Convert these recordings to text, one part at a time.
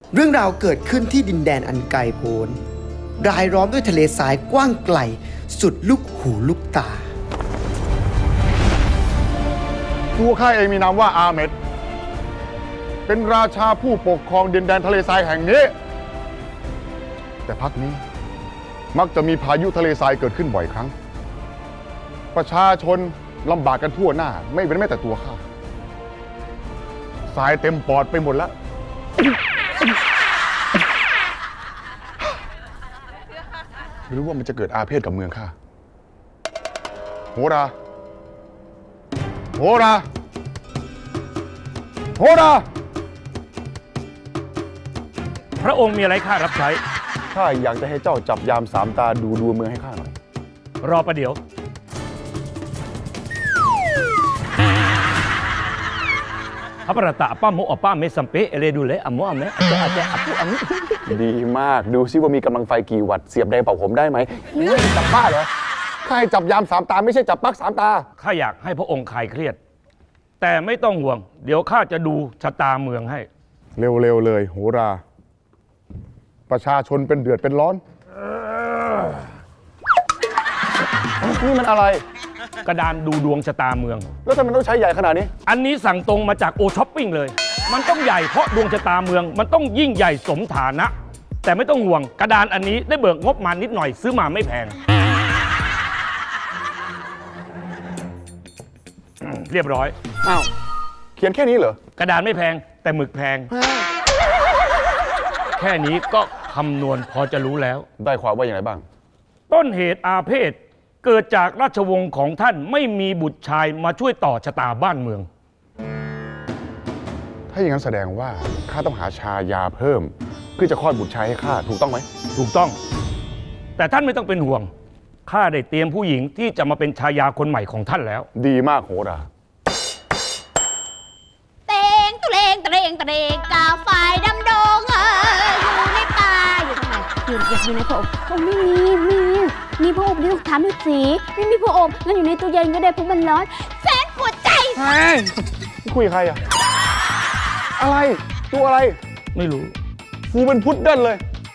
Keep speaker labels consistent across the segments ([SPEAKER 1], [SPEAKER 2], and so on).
[SPEAKER 1] เรื่องราวเกิดขึ้นที่ดินแดนอันไกลโพ้นรายล้อมด้วยทะเลทรายกว้างไกลสุดลูกหูลูกตา
[SPEAKER 2] ตัวข้าเองมีนามว่าอาเมดเป็นราชาผู้ปกครองดินแดนทะเลทรายแห่งนี้แต่พักนี้มักจะมีพายุทะเลทรายเกิดขึ้นบ่อยครั้งประชาชนลำบากกันทั่วหน้าไม่เป็นแม้แต่ตัวข้าทรายเต็มปอดไปหมดแล้วหรือว่ามันจะเกิดอาเพศกับเมืองข้าโหราโหราโหรา
[SPEAKER 3] พระองค์มีอะไรข้ารับใช้
[SPEAKER 2] ข้าอยากจะให้เจ้าจับยามสามตาดูดวงเมืองให้ข้าหน่อย
[SPEAKER 3] รอประเดี๋ยวพระประตะป้าโมอป้าเมสัมเปเอเลดูเลอโมอเมอาจจะอปุอัง
[SPEAKER 2] ดีมากดูซิว่ามีกำลังไฟกี่วัตต์เสียบแดงเป่าผมได้ไหมจับบ้าเหรอข้าให้จับยามสามตาไม่ใช่จับปักสามตา
[SPEAKER 3] ข้าอยากให้พระองค์คลายเครียดแต่ไม่ต้องห่วงเดี๋ยวข้าจะดูชะตาเมืองให้
[SPEAKER 2] เร็วๆเลยโหราประชาชนเป็นเดือดเป็นร้อนนี่มันอะไร
[SPEAKER 3] กระดานดูดวงชะตาเมือง
[SPEAKER 2] แล้วทำไมต้องใช้ใหญ่ขนาดนี้
[SPEAKER 3] อันนี้สั่งตรงมาจากโอช้อปปิ้งเลยมันต้องใหญ่เพราะดวงชะตาเมืองมันต้องยิ่งใหญ่สมฐานะแต่ไม่ต้องห่วงกระดานอันนี้ได้เบิกงบมานิดหน่อยซื้อมาไม่แพงเรียบร้อย
[SPEAKER 2] อ้าวเขียนแค่นี้เหร
[SPEAKER 3] อกระดานไม่แพงแต่หมึกแพงแค่นี้ก็คำนวณพอจะรู้แล้ว
[SPEAKER 2] ได้ความว่าอย่างไรบ้าง
[SPEAKER 3] ต้นเหตุอาเพศเกิดจากราชวงศ์ของท่านไม่มีบุตรชายมาช่วยต่อชะตาบ้านเมือง
[SPEAKER 2] ถ้าอย่างนั้นแสดงว่าข้าต้องหาชายาเพิ่มเพื่อจะคลอดบุตรชายให้ข้าถูกต้องไหม
[SPEAKER 3] ถูกต้องแต่ท่านไม่ต้องเป็นห่วงข้าได้เตรียมผู้หญิงที่จะมาเป็นชายาคนใหม่ของท่านแล้ว
[SPEAKER 2] ดีมากโหรา
[SPEAKER 4] เตงตุเรงตะเรงตะเรงกาไฟดำดงอยู่ในป่าอยู่ตรงไหนอยู่ในพระอบมีพระอบดิถามดูสิไม่มีพระอบงั้นอยู่ในตู้เย็นก็ได้เพราะมันร้อนแสนปวดใจ
[SPEAKER 2] เฮ้ยคุยกับใครอะอะไรตัวอะไร
[SPEAKER 3] ไม่รู้
[SPEAKER 2] ฟูเป็นพุดเดิ้ลเลย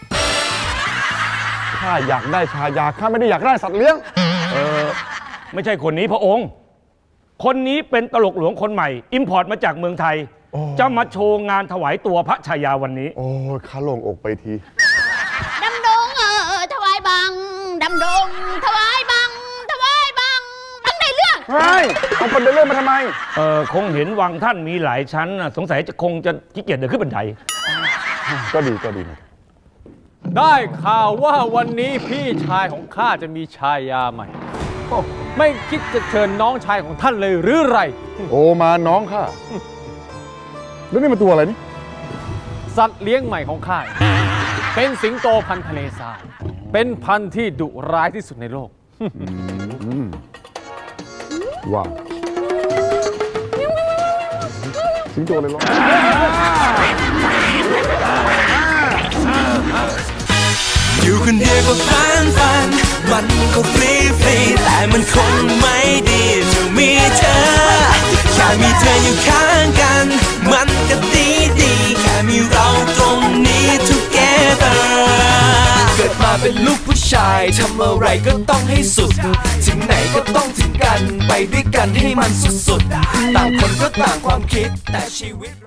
[SPEAKER 2] ข้าอยากได้ชายาข้าไม่ได้อยากได้สัตว์เลี้ยง
[SPEAKER 3] ไม่ใช่คนนี้พระองค์คนนี้เป็นตลกหลวงคนใหม่อิมพอร์ตมาจากเมืองไทยจะมาโชว์งานถวายตัวพระชายาวันนี้
[SPEAKER 2] โอ้ข้าโล่งอกไปที
[SPEAKER 4] ดำดงถวายบังดำดงถวายบังบังในเรื่อง
[SPEAKER 2] เฮ้ยเอาคนเดินเรื่องมาทำไม
[SPEAKER 3] คงเห็นวังท่านมีหลายชั้นสงสัยจะคงจะขี้เกียจเดินขึ้นบันได
[SPEAKER 2] ก็ดี
[SPEAKER 5] ได้ข่าวว่าวันนี้พี่ชายของข้าจะมีชายาใหม่ไม่คิดจะเชิญน้องชายของท่านเลยหรือไร
[SPEAKER 2] โอมาน้องข้าแล้วนี่มันตัวอะไรนี่
[SPEAKER 5] สัตว์เลี้ยงใหม่ของข้าเป็นสิงโตพันธุ์ทะเลทรายเป็นพันธุ์ที่ดุร้ายที่สุดในโลก
[SPEAKER 2] ว้าวสิงโตเลยเหรอ
[SPEAKER 6] อยู่คนเดียวก็ฟันมันก็ฟรีแต่มันคงไม่ดีจะมีเธอแค่มีเธออยู่ข้างกันมันก็ดีแค่มีเราตรงนี้ together เกิดมาเป็นลูกผู้ชายทำอะไรก็ต้องให้สุดถึงไหนก็ต้องถึงกันไปด้วยกันให้มันสุดๆต่างคนก็ต่างความคิดแต่ชีวิต